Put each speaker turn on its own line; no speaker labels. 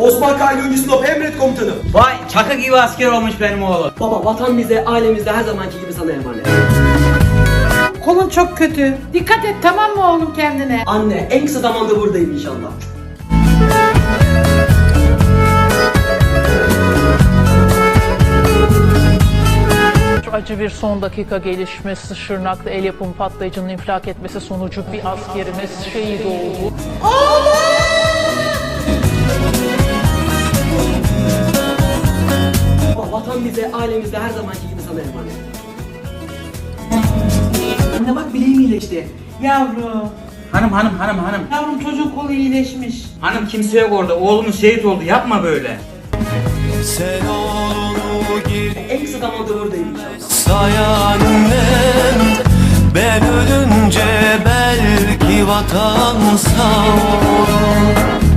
Osman Kayyumcu Sinop emret komutanım.
Vay çakı gibi asker olmuş benim oğlum.
Baba vatan bize, ailemiz de her zamanki gibi sana emanet.
Kolun çok kötü. Dikkat et, tamam mı oğlum, kendine?
Anne en kısa zamanda buradayım inşallah.
Acı bir son dakika gelişmesi, Şırnak'ta el yapımı patlayıcının infilak etmesi sonucu bir askerimiz şehit oldu.
Baba vatan bize, ailemiz de her zamanki gibi sana emanet. Anne bak bileğim iyileşti.
Yavrum.
Hanım.
Yavrum, çocuğun kolu iyileşmiş.
Hanım kimse yok orada. Oğlumuz şehit oldu. Yapma böyle.
Sen oğlunu gir
En kısa zamanda buradayım inşallah.
say annem. Ben ölünce belki vatan sağ olur.